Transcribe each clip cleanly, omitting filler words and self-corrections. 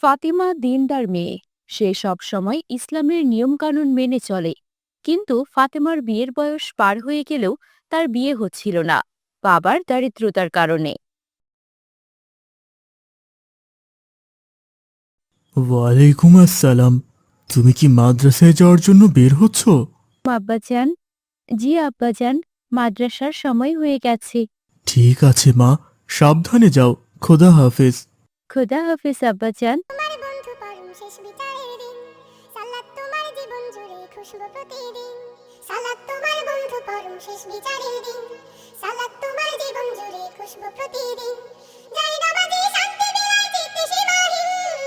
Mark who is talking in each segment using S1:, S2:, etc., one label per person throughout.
S1: ফাতিমা দিনদার মেয়ে। সে সবসময় ইসলামের নিয়মকানুন মেনে চলে। কিন্তু ফাতেমার বিয়ের বয়স পার হয়ে গেলেও তার বিয়ে হচ্ছিল না, বাবার দারিদ্রতার কারণে।
S2: ওয়ালাইকুম আসসালাম। তুমি কি মাদ্রাসায় যাওয়ার জন্য বের হচ্ছ?
S1: আব্বাজান। জি আব্বাজান, মাদ্রাসার সময় হয়ে গেছে।
S2: ঠিক আছে মা, সাবধানে যাও। খোদা হাফেজ।
S1: খোদা হাফিজ আব্বাজান।
S3: তোমার বন্ধু পরম শেষ বিচারের দিন, সালাত তোমার জীবন জুড়ে খুশবু প্রতিদিন। সালাত তোমার বন্ধু পরম শেষ বিচারের দিন, সালাত তোমার জীবন জুড়ে খুশবু প্রতিদিন। যাই নামাজি শান্তি বিলায় চিত্তে সীমাহীন,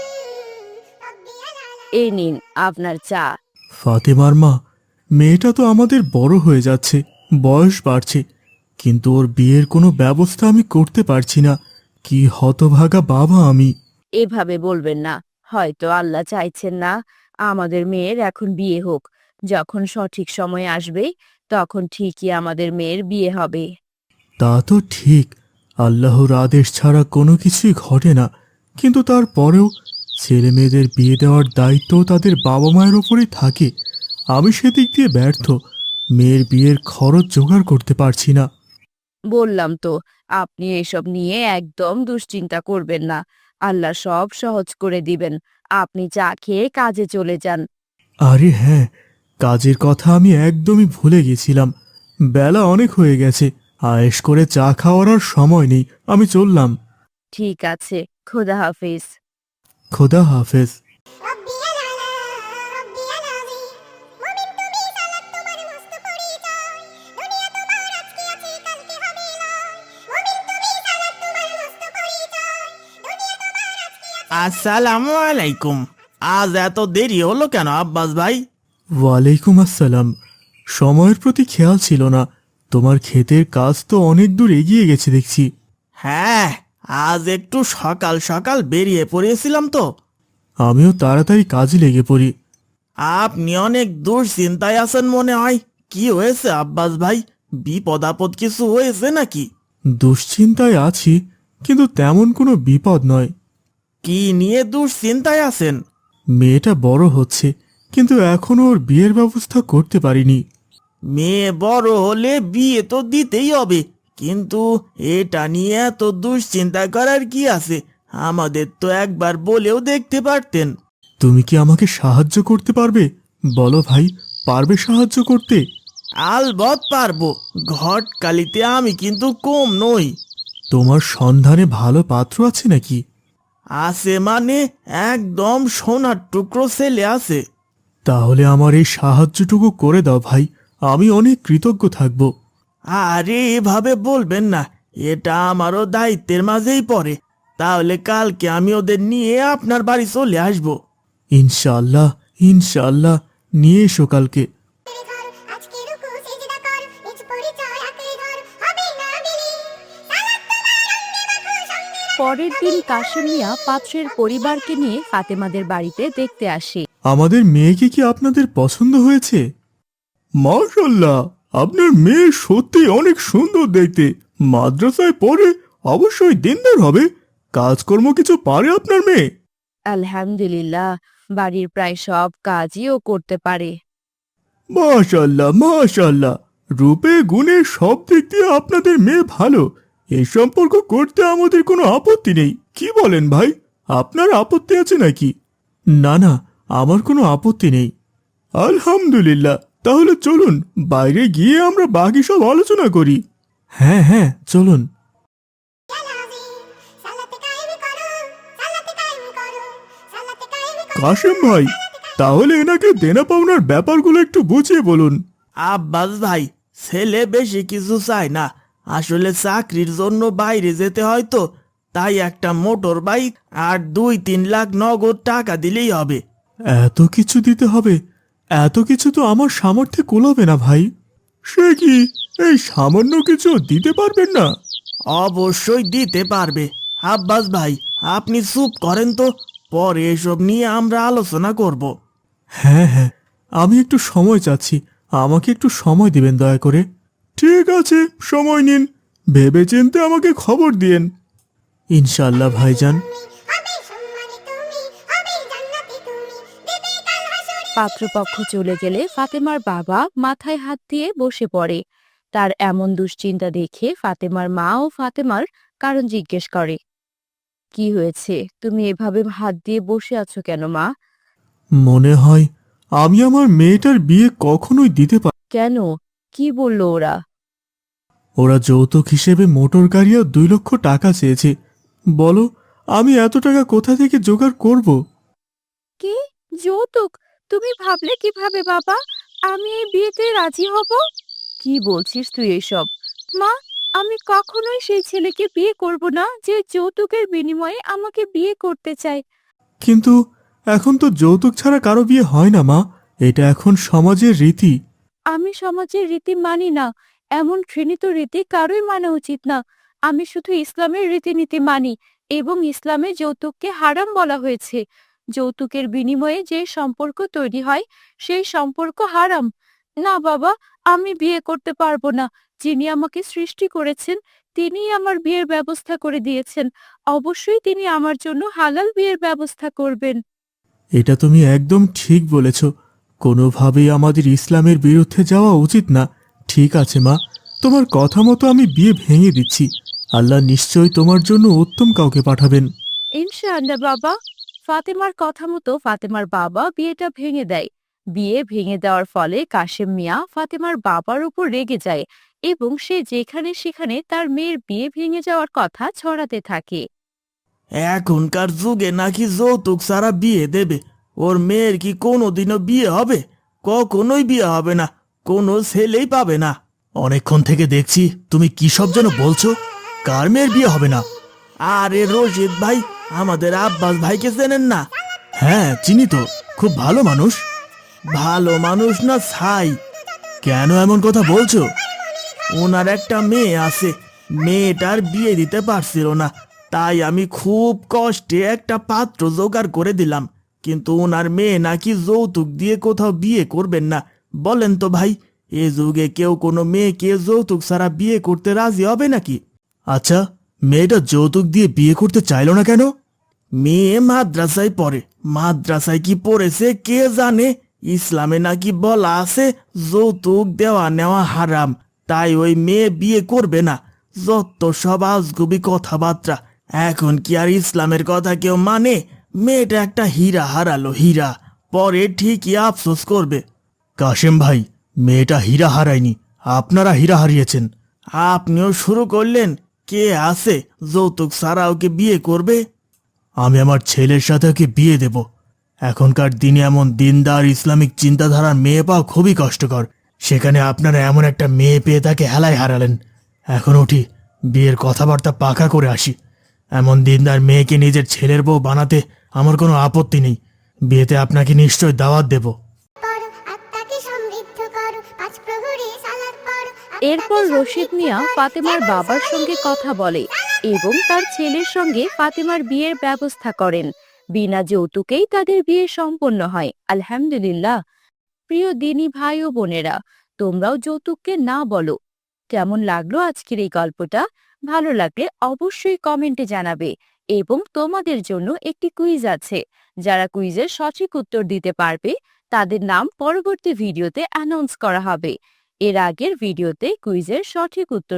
S3: রব্বিয়াল আলা।
S1: এ নিন আপনার চা।
S2: ফাতেমার মা, মেয়েটা তো আমাদের বড় হয়ে যাচ্ছে, বয়স বাড়ছে, কিন্তু ওর বিয়ের কোনো ব্যবস্থা আমি করতে পারছি না। কি হতভাগা বাবা আমি।
S1: এভাবে বলবেন না। হয়তো আল্লাহ চাইছেন না আমাদের মেয়ের এখন বিয়ে হোক। যখন সঠিক সময় আসবে তখন ঠিকই আমাদের মেয়ের বিয়ে হবে।
S2: তা তো ঠিক, আল্লাহর আদেশ ছাড়া কোনো কিছুই ঘটে না, কিন্তু তারপরেও ছেলে মেয়েদের বিয়ে দেওয়ার দায়িত্ব তাদের বাবা মায়ের ওপরেই থাকে। আমি সেদিক দিয়ে ব্যর্থ, মেয়ের বিয়ের খরচ জোগাড় করতে পারছি না।
S1: বললাম তো, আপনি এসব নিয়ে একদম দুশ্চিন্তা করবেন না। আল্লাহ সব সহজ করে দিবেন। আপনি চা খেয়ে কাজে চলে যান।
S2: আরে হ্যাঁ, কাজের কথা আমি একদমই ভুলে গেছিলাম। বেলা অনেক হয়ে গেছে, আয়েশ করে চা খাওয়ার আর সময় নেই। আমি চললাম।
S1: ঠিক আছে, খোদা হাফিজ।
S2: খোদা হাফেজ।
S3: রব্বিয়াল আলা, রব্বিয়াল আযীম। মুমিন তুমি, সালাত তোমার মস্ত পরিচয়। দুনিয়া তোমার আজকে আছে কালকে হবে লয়। মুমিন তুমি, সালাত তোমার মস্ত পরিচয়। দুনিয়া তোমার আজকে আছে।
S4: আসসালামু আলাইকুম। আজ এত দেরি হলো কেন আব্বাস ভাই?
S2: ওয়ালাইকুম আসসালাম। সময়ের প্রতি খেয়াল ছিল না। তোমার ক্ষেতের কাজ তো অনেক দূর এগিয়ে গেছে দেখছি।
S4: হ্যাঁ, আজ একটু সকাল সকাল বেরিয়ে পড়েছিলাম তো।
S2: আমিও তাড়াতাড়ি কাজে লেগে পড়ি।
S4: আপনি অনেক দুশ্চিন্তায় আছেন মনে হয়। কি হয়েছে আব্বাস ভাই? বিপদ আপদ কিছু হয়েছে নাকি?
S2: দুশ্চিন্তায় আছি, কিন্তু তেমন কোনো বিপদ নয়।
S4: কি নিয়ে দুশ্চিন্তায় আছেন?
S2: মেয়েটা বড় হচ্ছে, কিন্তু এখনো ওর বিয়ের ব্যবস্থা করতে পারিনি।
S4: মেয়ে বড় হলে বিয়ে তো দিতেই হবে, কিন্তু এটা নিয়ে এত দুশ্চিন্তা করার কি আছে? আমাদের তো একবার বলেও দেখতে পারতেন।
S2: তুমি কি আমাকে সাহায্য করতে পারবে? বলো ভাই, পারবে সাহায্য করতে?
S4: আলবৎ পারবো। ঘটকালিতে আমি কিন্তু কম নই।
S2: তোমার সন্ধানে ভালো পাত্র আছে নাকি?
S4: আছে মানে একদম সোনার টুকরো ছেলে আছে।
S2: তাহলে আমার এই সাহায্যটুকু করে দাও ভাই, আমি অনেক কৃতজ্ঞ থাকব।
S4: আরে এভাবে বলবেন না, এটা আমারও দায়িত্বের মাঝেই পড়ে। তাহলে কালকে আমি ওদের নিয়ে আপনার বাড়ি চলে আসবো।
S2: ইনশাআল্লাহ, ইনশাআল্লাহ, নিয়ে এসো কালকে।
S3: ধর আজকে রুকু সিজদা কর, নিজ পরিচয় আঁকড়ে ধর, হবে না বিলীন। সালাত তোমার অঙ্গে মাখো সঙ্গে রাখো।
S1: পরের দিন কাশেম মিয়া পাত্রের পরিবারকে নিয়ে ফাতেমাদের বাড়িতে দেখতে আসে।
S2: আমাদের মেয়েকে কি আপনাদের পছন্দ হয়েছে? মাশাআল্লাহ, আপনার মেয়ে সত্যি অনেক সুন্দর দেখতে। মাদ্রাসায় পড়ে, অবশ্যই দিনদার হবে। কাজকর্ম কিছু পারে আপনার মেয়ে?
S1: আলহামদুলিল্লাহ, বাড়ির প্রায় সব কাজই ও করতে পারে।
S2: মাশাআল্লাহ, মাশাআল্লাহ, রূপে গুণে সব দিক দিয়ে আপনাদের মেয়ে ভালো। এই সম্পর্ক করতে আমাদের কোনো আপত্তি নেই। কি বলেন ভাই, আপনার আপত্তি আছে নাকি? না না, আমার কোনো আপত্তি নেই। আলহামদুলিল্লাহ, তাহলে চলুন বাইরে গিয়ে আমরা বাকি সব আলোচনা করি। হ্যাঁ হ্যাঁ, চলুন।
S3: সালাতে কায়েম করো, সালাতে কায়েম করো, সালাতে কায়েম করো।
S2: কাশেম ভাই, তাহলে এনাকে দেনা পাওনার ব্যাপারগুলো একটু বুঝিয়ে বলুন।
S4: আব্বাস ভাই, ছেলে বেশি কিছু চায় না। আসলে চাকরির জন্য বাইরে যেতে হয় তো, তাই একটা মোটর বাইক আর 2-3 লাখ নগদ টাকা দিলেই হবে।
S2: এত কিছু দিতে হবে? এত কিছু তো আমার সামর্থ্যে কুলাবে না ভাই। সে কি, এই সামান্য কিছু দিতে পারবেন না?
S4: অবশ্যই দিতে পারবে। আব্বাস ভাই, আপনি চুপ করেন তো, পরে এসব নিয়ে আমরা আলোচনা করব।
S2: হ্যাঁ হ্যাঁ, আমি একটু সময় চাচ্ছি, আমাকে একটু সময় দিবেন দয়া করে। ঠিক আছে, সময় নিন, ভেবেচিন্তে আমাকে খবর দিয়েন। ইনশাআল্লাহ ভাইজান।
S3: হবে সম্মানে তুমি,
S1: পাত্রপক্ষ চলে গেলে ফাতেমার বাবা মাথায় হাত দিয়ে বসে পড়ে। তার এমন দুশ্চিন্তা দেখে ফাতেমার মা ও ফাতেমার কারণ জিজ্ঞেস করে। কি হয়েছে, তুমি এভাবে হাত দিয়ে বসে আছো কেন মা?
S2: মনে হয় আমি আমার মেয়েটার বিয়ে কখনোই দিতে পারি।
S1: কেন, কি বললো ওরা?
S2: ওরা যৌতুক হিসেবে মোটর গাড়ি আর 2 লক্ষ টাকা চেয়েছে। বলো, আমি এত টাকা কোথা থেকে জোগাড় করব?
S1: কি যৌতুক? তুমি ভাবলে কিভাবে বাবা আমি এই বিয়েতে রাজি হব? কি বলছিস তুই এসব? মা, আমি কখনোই সেই ছেলেকে বিয়ে করব না যে যৌতুকের বিনিময়ে আমাকে বিয়ে করতে চায়।
S2: কিন্তু এখন তো যৌতুক ছাড়া কারো বিয়ে হয় না মা। এটা এখন সমাজের রীতি।
S1: আমি সমাজের রীতি মানি না। এমন ঘৃণিত রীতি কারোই মানা উচিত না। আমি শুধু ইসলামের রীতিনীতি মানি এবং ইসলামে যৌতুককে হারাম বলা হয়েছে। যৌতুকের বিনিময়ে যে সম্পর্ক তৈরি হয় সেই সম্পর্ক হারাম। না বাবা, আমি বিয়ে করতে পারবো না। যিনি আমাকে সৃষ্টি করেছেন তিনিই আমার বিয়ের ব্যবস্থা করে দিয়েছেন। অবশ্যই তিনি আমার জন্য হালাল বিয়ের ব্যবস্থা করবেন।
S2: এটা তুমি একদম ঠিক বলেছ। কোনোভাবেই আমাদের ইসলামের বিরুদ্ধে যাওয়া উচিত না। ঠিক আছে মা, তোমার কথা মতো আমি বিয়ে ভেঙে দিচ্ছি। আল্লাহ নিশ্চয়ই তোমার জন্য উত্তম কাউকে পাঠাবেন।
S1: ইনশাআল্লাহ বাবা। ফাতেমার কথা মতো ফাতেমার বাবা বিয়েটা ভেঙে দেয়। বিয়ে ভেঙে দেওয়ার ফলে কাশেম মিয়া ফাতেমার বাবার উপর রেগে যায় এবং সে যেখানে সেখানে তার মেয়ের বিয়ে ভেঙে যাওয়ার কথা ছড়াতে থাকে।
S4: এখনকার যুগে নাকি যৌতুক ছাড়া বিয়ে দেবে। ওর মেয়ের কি কোনোদিনও বিয়ে হবে? কখনোই বিয়ে হবে না, কোনো ছেলেই পাবে না।
S2: অনেকক্ষণ থেকে দেখছি তুমি কি সব যেন বলছো। কার মেয়ের বিয়ে হবে না?
S4: আরে রশিদ ভাই, আমাদের আব্বাস ভাইকে চেনেন না?
S2: হ্যাঁ চিনি তো, খুব ভালো মানুষ।
S4: ভালো মানুষ না ছাই।
S2: কেন এমন কথা বলছো?
S4: ওনার একটা মেয়ে আছে, মেয়েটার বিয়ে দিতে পারছিল না, তাই আমি খুব কষ্টে একটা পাত্র জোগাড় করে দিলাম। কিন্তু ওনার মেয়ে নাকি যৌতুক দিয়ে কোথাও বিয়ে করবেন না। বলেন তো ভাই, এ যুগে কেউ কোনো মেয়েকে যৌতুক ছাড়া বিয়ে করতে রাজি হবে নাকি?
S2: আচ্ছা, মেয়েটা যৌতুক দিয়ে বিয়ে করতে চাইলো না কেন?
S4: মেয়ে মাদ্রাসায় পড়ে। মাদ্রাসায় কি পড়েছে কে জানে। ইসলামে নাকি বলা আছে যৌতুক দেওয়া নেওয়া হারাম, তাই ওই মেয়ে বিয়ে করবে না। যত সব আজগুবি কথাবার্তা। এখন কি আর ইসলামের কথা কেউ মানে? মেয়েটা একটা হীরা হারালো, হীরা। পরে ঠিকই আফসোস করবে।
S2: কাশেম ভাই, মেয়েটা হীরা হারায়নি, আপনারা হীরা হারিয়েছেন।
S4: আপনিও শুরু করলেন? কে আছে যৌতুক ছাড়া ওকে বিয়ে করবে?
S2: আমি আমার ছেলের সাথে ওকে বিয়ে দেব। এখনকার দিনে এমন দিনদার ইসলামিক চিন্তাধারার মেয়ে পাওয়া খুবই কষ্টকর। সেখানে আপনারা এমন একটা মেয়ে পেয়ে তাকে হেলায় হারালেন। এখন উঠি, বিয়ের কথাবার্তা পাকা করে আসি। এমন দিনদার মেয়েকে নিজের ছেলের বউ বানাতে আমার কোনো আপত্তি নেই। বিয়েতে আপনাকে নিশ্চয় দাওয়াত দেব।
S3: পড়ো আত্মাকে সমৃদ্ধ করো, পাঁচ প্রহরে সালাত পড়ো।
S1: এরপর রশিদ মিয়া ফাতেমার বাবার সঙ্গে কথা বলে এবং তার ছেলের সঙ্গে ফাতেমার বিয়ের ব্যবস্থা করেন। বিনা যৌতুকেই তাদের বিয়ে সম্পন্ন হয়। আলহামদুলিল্লাহ। প্রিয় দিনী ভাই ও বোনেরা, তোমরাও যৌতুককে না বলো। কেমন লাগলো আজকের এই গল্পটা? ভালো লাগলে অবশ্যই কমেন্টে জানাবে এবং তোমাদের জন্য একটি কুইজ আছে। যারা কুইজের সঠিক উত্তর দিতে পারবে তাদের নাম পরবর্তী ভিডিওতে অ্যানাউন্স করা হবে। এর আগের ভিডিওতে কুইজের সঠিক উত্তর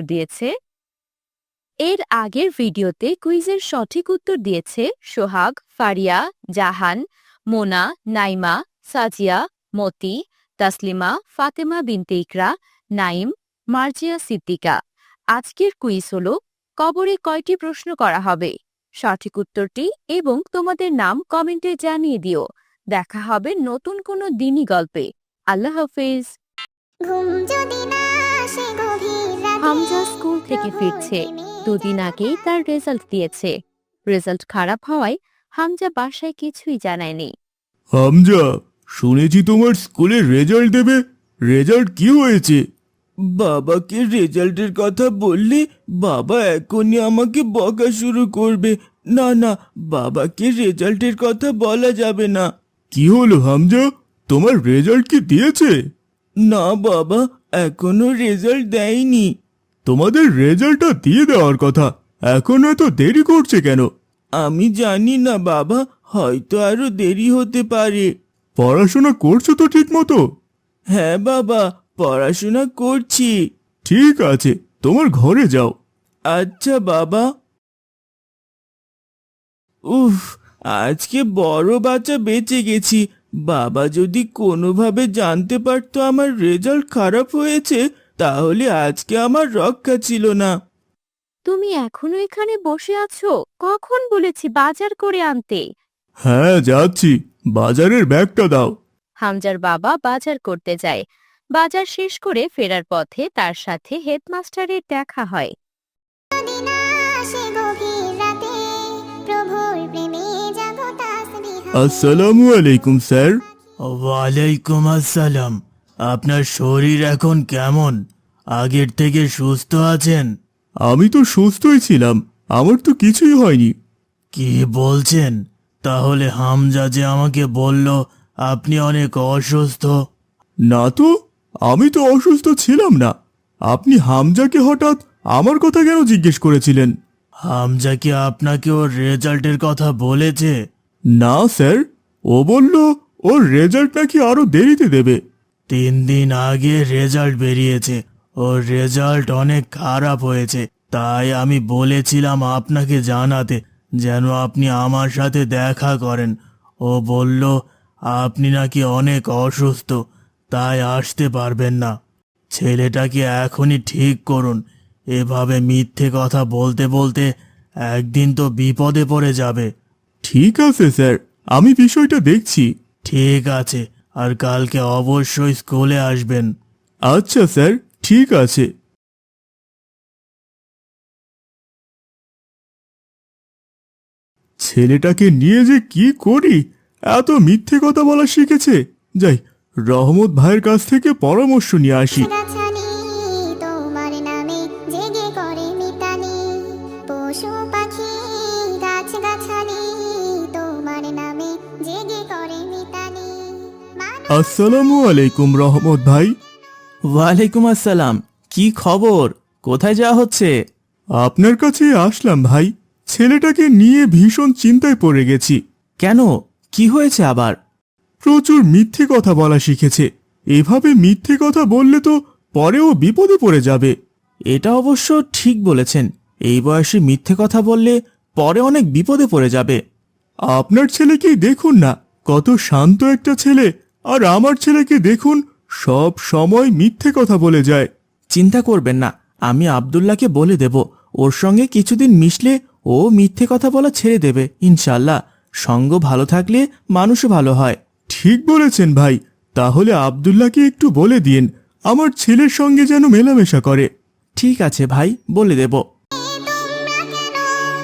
S1: দিয়েছে সোহাগ, ফারিয়া, জাহান, মোনা, নাইমা, সাজিয়া, মতি, তাসলিমা, ফাতেমা বিনতে ইকরা, নাইম, মার্জিয়া সিদ্দিকা। আজকের কুইজ হলো, কবরে কয়টি প্রশ্ন করা হবে? সঠিক উত্তরটি এবং তোমাদের নাম কমেন্টে জানিয়ে দিও। দেখা হবে নতুন কোনো দিনী গল্পে। আল্লাহ হাফেজ।
S3: ঘুম যদি না আসে গভীর রাতে,
S1: হামজা স্কুল থেকে ফিরছে। দুদিন আগেই তার রেজাল্ট দিয়েছে। রেজাল্ট খারাপ হওয়ায় হামজা বাসায় কিছুই জানায়নি।
S2: হামজা, শুনেছি তোমার স্কুলে রেজাল্ট দেবে। রেজাল্ট কি হয়েছে?
S4: বাবাকে রেজাল্টের কথা বললে বাবা এখনই আমাকে বকা শুরু করবে। না না, বাবাকে রেজাল্টের কথা বলা যাবে না।
S2: কি হলো হামজা, তোমার রেজাল্ট কি দিয়েছে?
S4: না বাবা, এখনো রেজাল্ট দেয়নি।
S2: তোমাদের রেজাল্টটা দিয়ে দেওয়ার কথা, এখন এত দেরি করছে কেন?
S4: আমি জানি না বাবা, হয়তো আরো দেরি হতে পারে।
S2: পড়াশোনা করছো তো ঠিক মতো?
S4: হ্যাঁ বাবা, পড়াশোনা করছি।
S2: ঠিক আছে, তোমার ঘরে যাও।
S4: আচ্ছা বাবা। উফ, আজকে বড় বাচ্চা বেঁচে গেছি। বাবা যদি কোনোভাবে জানতে পারতো আমার রেজাল্ট খারাপ হয়েছে, তাহলে আজকে আমার রক্ষা ছিল না।
S1: তুমি এখনো এখানে বসে আছো? কখন বলেছি বাজার করে আনতে?
S2: হ্যাঁ যাচ্ছি, বাজারের ব্যাগটা দাও।
S1: হামজার বাবা বাজার করতে যায়। বাজার শেষ করে ফেরার পথে তার সাথে হেডমাস্টারের দেখা হয়।
S3: যদি না আসে গভীর রাতে, প্রভুর প্রেমে জাগো তাসবিহ।
S2: আসসালামু আলাইকুম স্যার।
S4: ওয়ালাইকুম আসসালাম। আপনার শরীর এখন কেমন? আগের থেকে সুস্থ আছেন?
S2: আমি তো সুস্থই ছিলাম, আমার তো কিছুই হয়নি।
S4: কি বলছেন? তাহলে হামজা যে আমাকে বলল আপনি অনেক অসুস্থ।
S2: না তো, আমি তো অসুস্থ ছিলাম না। আপনি হামজাকে হঠাৎ আমার কথা কেন জিজ্ঞেস করেছিলেন?
S4: হামজা কি আপনাকে ওর রেজাল্টের কথা বলেছে?
S2: না স্যার, ও বলল ওর রেজাল্ট নাকি আরো দেরিতে দেবে।
S4: 3 দিন আগে রেজাল্ট বেরিয়েছে, ওর রেজাল্ট অনেক খারাপ হয়েছে। তাই আমি বলেছিলাম আপনাকে জানাতে, যেন আপনি আমার সাথে দেখা করেন। ও বলল আপনি নাকি অনেক অসুস্থ, তাই আসতে পারবেন না। ছেলেটাকে এখনই ঠিক করুন। এভাবে মিথ্যে কথা বলতে বলতে একদিন তো বিপদে পড়ে যাবে।
S2: ঠিক আছে স্যার, আমি বিষয়টা দেখছি।
S4: ঠিক আছে, আর কালকে অবশ্যই স্কুলে আসবেন।
S2: আচ্ছা স্যার, ঠিক আছে। ছেলেটাকে নিয়ে যে কি করি, এত মিথ্যে কথা বলা শিখেছে। যাই, রহমত ভাইয়ের কাছ থেকে পরামর্শ নিয়ে আসি।
S3: গাছগাছালি তোমার নামে জেগে করে মিতালি, পশু পাখি গাছগাছালি তোমার নামে জেগে করে মিতালি।
S2: আসসালামু আলাইকুম রহমত ভাই।
S4: ওয়ালাইকুম আসসালাম। কি খবর? কোথায় যাওয়া হচ্ছে?
S2: আপনার কাছে আসলাম ভাই, ছেলেটাকে নিয়ে ভীষণ চিন্তায় পড়ে গেছি।
S4: কেন, কি হয়েছে আবার?
S2: প্রচুর মিথ্যে কথা বলা শিখেছে। এভাবে মিথ্যে কথা বললে তো পরেও বিপদে পড়ে যাবে।
S4: এটা অবশ্য ঠিক বলেছেন। এই বয়সে মিথ্যে কথা বললে পরে অনেক বিপদে পড়ে যাবে।
S2: আপনার ছেলেকেই দেখুন না, কত শান্ত একটা ছেলে। আর আমার ছেলেকে দেখুন, সব সময় মিথ্যে কথা বলে যায়।
S4: চিন্তা করবেন না, আমি আব্দুল্লাহকে বলে দেব। ওর সঙ্গে কিছুদিন মিশলে ও মিথ্যে কথা বলা ছেড়ে দেবে ইনশাল্লাহ। সঙ্গ ভালো থাকলে মানুষও ভালো হয়।
S2: ঠিক বলেছেন ভাই, তাহলে আব্দুল্লাহকে একটু বলে দিন আমার ছেলের সঙ্গে যেন মেলামেশা করে।
S4: ঠিক আছে ভাই, বলে দেব।
S3: তোমরা কেন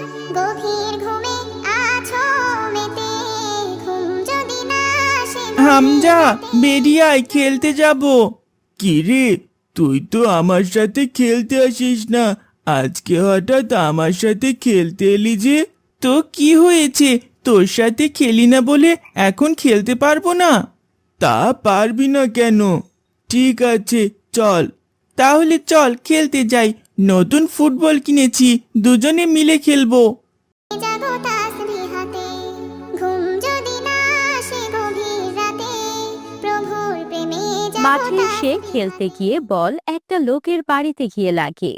S3: গভীর ঘুমে আছো মেতে, ঘুম যদি না আসে
S4: হামজা, বেরিয়ে আয়, খেলতে যাব। কি রে, তুই তো আমার সাথে খেলতে আসিস না, আজকে হঠাৎ আমার সাথে খেলতে এলি যে? তো কি হয়েছে, তোর সাথে খেলি না বলে এখন খেলতে পারবো না? তা পারবি না কেন? ঠিক আছে চল, তাহলে চল খেলতে যাই। নতুন ফুটবল কিনেছি, দুজনে মিলে খেলবো।
S3: জাগো তাসবিহাতে, ঘুম যদি না আসে গভীর রাতে, প্রভুর প্রেমে জাগো
S1: মাঠে সে খেলতে গিয়ে বল একটা লোকের বাড়িতে গিয়ে লাগে।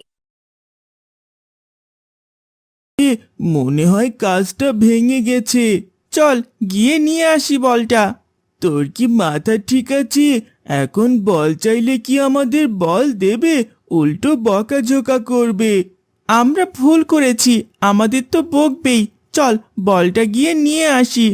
S4: মনে হয় কাজটা ভেঙে গেছে। চল গিয়ে নিয়ে আসি বলটা। তোর কি মাথা ঠিক আছে? এখন বল চাইলে কি আমাদের বল দেবে? উল্টো বকাঝোকা করবে। আমরা ভুল করেছি, আমাদের তো বকবেই। চল বলটা গিয়ে নিয়ে আসি।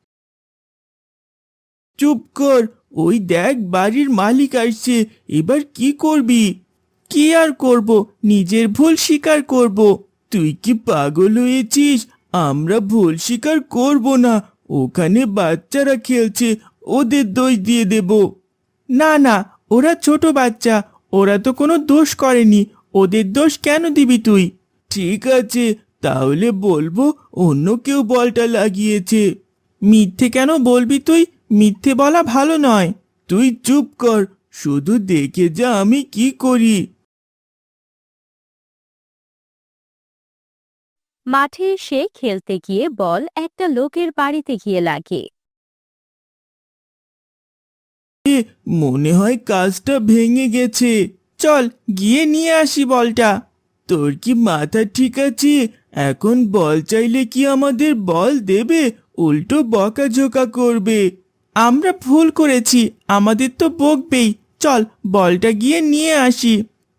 S4: চুপ কর, ওই দেখ বাড়ির মালিক আসছে। এবার কি করবি? কি আর করব, নিজের ভুল স্বীকার করব। তুই কি পাগল হয়েছিস? আমরা ভুল স্বীকার করব না। ওখানে বাচ্চারা খেলছে, ওদের দোষ দিয়ে দেব। না না, ওরা ছোট বাচ্চা, ওরা তো কোনো দোষ করেনি, ওদের দোষ কেন দিবি তুই? ঠিক আছে, তাহলে বলবো অন্য কেউ বলটা লাগিয়েছে। মিথ্যে কেন বলবি তুই? মিথ্যে বলা ভালো নয়। তুই চুপ কর, শুধু দেখে যা আমি কি করি।
S1: মাঠে সে খেলতে গিয়ে বল একটা লোকের বাড়িতে গিয়ে লাগে।
S4: মনে হয় কাজটা ভেঙে গেছে। চল গিয়ে নিয়ে আসি বলটা। তোর কি মাথা ঠিক আছে? এখন বল চাইলে কি আমাদের বল দেবে? উল্টো বকাঝোকা করবে। আমরা ভুল করেছি, আমাদের তো বকবেই। চল বলটা গিয়ে নিয়ে আসি।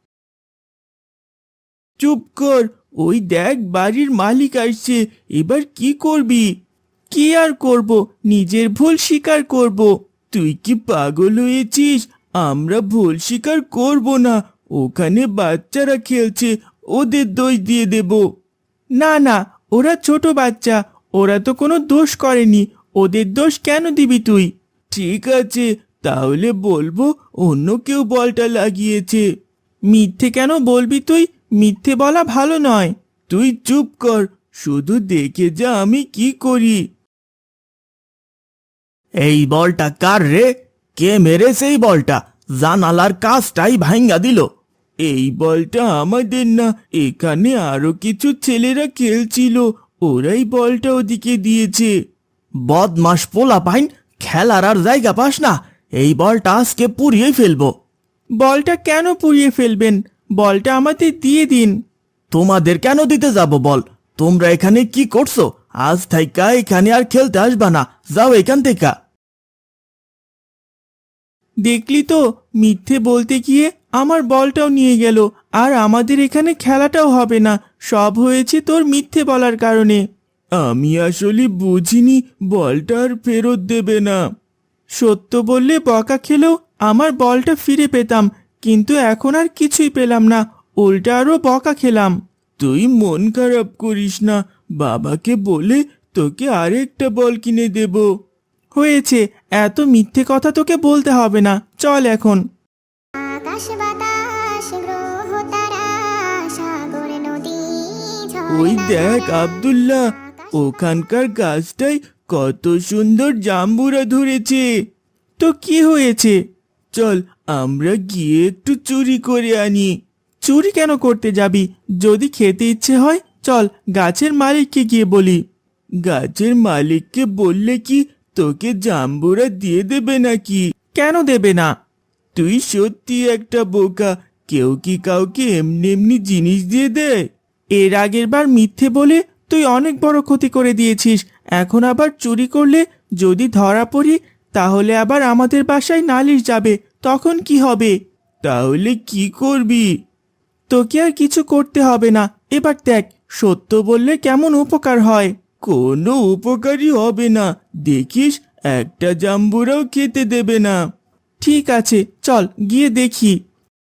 S4: চুপ কর, ওই দেখ বাড়ির মালিক আসছে। এবার কি করবি? কি আর করব, নিজের ভুল স্বীকার করব। তুই কি পাগল হয়েছিস? আমরা ভুল স্বীকার করব না। ওখানে বাচ্চারা খেলছে, ওদের দোষ দিয়ে দেব। না না, ওরা ছোট বাচ্চা, ওরা তো কোনো দোষ করেনি, ওদের দোষ কেন দিবি তুই? ঠিক আছে, তাহলে বলবো অন্য কেউ বলটা লাগিয়েছে। মিথ্যে কেন বলবি তুই? মিথ্যে বলা ভালো নয়। তুই চুপ কর, শুধু দেখে যা আমি কি করি। এই বলটা কার রে? কে মেরেছে এই বলটা? জানালার কাজটাই ভাঙ্গা দিল। এই বলটা আমাদের না, এখানে আরো কিছু ছেলেরা খেলছিল, ওরাই বলটা ওদিকে দিয়েছে। বদমাস পোলা পাইন, খেলার আর জায়গা পাস না। এই বলটা আজকে পুড়িয়ে ফেলবো। বলটা কেন পুড়িয়ে ফেলবেন? বলটা আমাদের দিয়ে দিন। তোমাদের কেন দিতে যাব বল? তোমরা এখানে কি করছো? আজ থাইকা এখানে আর খেলতে আসবা না, যাও এখান থেকে। দেখলি তো, মিথ্যে বলতে গিয়ে আমার বলটাও নিয়ে গেল, আর আমাদের এখানে খেলাটাও হবে না। সব হয়েছে তোর মিথ্যে বলার কারণে। আমি আসলে বুঝিনি বলটা আর ফেরত দেবে না। সত্য বললে বকা খেলেও আমার বলটা ফিরে পেতাম, কিন্তু এখন আর কিছুই পেলাম না, উল্টা আরো বকা খেলাম। তুই মন খারাপ করিস না, বাবাকে বলে তোকে আরেকটা বল কিনে দেব। হয়েছে, এত মিথ্যে কথা তোকে বলতে হবে না, চল এখন।
S3: আকাশ বাতাস গ্রহ তারা সাগর নদী
S4: ওই দেখ আব্দুল্লাহ, ওখানকার গাছটায় কত সুন্দর জাম্বুরা ধরেছে। তো কি হয়েছে? চল আমরা গিয়ে একটু চুরি করে আনি। চুরি কেন করতে যাবি? যদি খেতে ইচ্ছে হয় চল গাছের মালিককে গিয়ে বলি। গাছের মালিককে বললে কি তোকে জাম্বুরা দিয়ে দেবে নাকি? কেন দেবে না? তুই সত্যি একটা বোকা। কেউ কি কাউকে এমনি এমনি জিনিস দিয়ে দেয়? এর আগের বার মিথ্যে বলে তুই অনেক বড় ক্ষতি করে দিয়েছিস। এখন আবার চুরি করলে যদি ধরা পড়ি, তাহলে আবার আমাদের বাসায় নালিশ যাবে, তখন কি হবে? তাহলে কি করবি? তোকে আর কিছু করতে হবে না। এবার দেখ, সত্য বললে কেমন উপকার হয়। কোনো উপকারই হবে না, দেখিস একটা জাম্বুরাও খেতে দেবে না। ঠিক আছে, চল গিয়ে দেখি।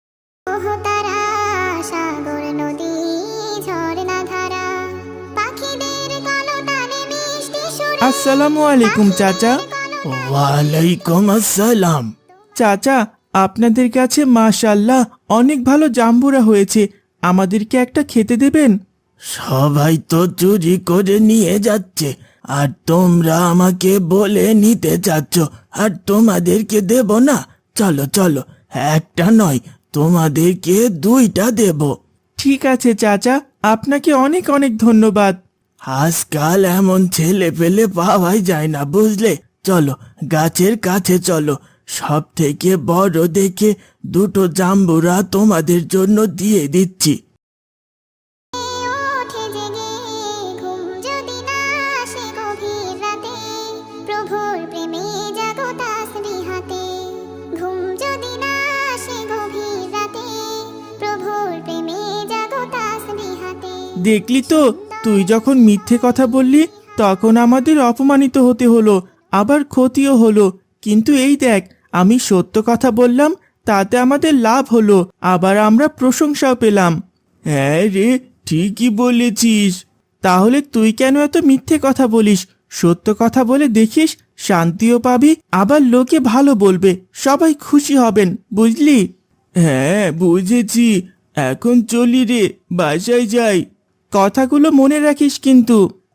S3: তারা সাগর নদী ঝর্ণা ধারা পাখিদের কলতানে মিষ্টি সুরে
S4: আসসালামু আলাইকুম চাচা। ওয়ালাইকুম আসসালাম। চাচা, আপনাদের কাছে মাশাআল্লাহ অনেক ভালো জাম্বুরা হয়েছে, আমাদেরকে একটা খেতে দেবেন? সবাই তো চুরি করে নিয়ে যাচ্ছে, আর তোমরা আমাকে বলে নিতে চাচ্ছ, আর তোমাদেরকে দেব না? চলো চলো, একটা নয়, তোমাদেরকে দুইটা দেব। ঠিক আছে চাচা, আপনাকে অনেক অনেক ধন্যবাদ। আজকাল এমন ছেলে পেলে পাওয়াই যায় না, বুঝলে? চলো গাছের কাছে চলো, সব থেকে বড় দেখে দুটো জাম্বুরা তোমাদের জন্য দিয়ে দিচ্ছি।
S3: ওঠে জেগে ঘুম যদি না আসে গভীর রাতে প্রভুর প্রেমে জাগো তাসবিহাতে ঘুম যদি না আসে গভীর রাতে প্রভুর প্রেমে জাগো তাসবিহাতে।
S4: দেখলি তো, তুই যখন মিথ্যে কথা বললি তখন আমাদের অপমানিত হতে হলো, আবার ক্ষতিও হলো। কিন্তু এই দেখ, আমি সত্য কথা বললাম, তাতে আমাদের লাভ হলো, আবার আমরা প্রশংসাও পেলাম। হ্যাঁ রে, ঠিকই বলেছিস। তাহলে তুই কেন এত মিথ্যে কথা বলিস? সত্য কথা বলে দেখিস, শান্তিও পাবি, আবার লোকে ভালো বলবে, সবাই খুশি হবেন, বুঝলি? হ্যাঁ বুঝেছি, এখন চলি রে, বাসায় যাই। কথাগুলো মনে রাখিস কিন্তু।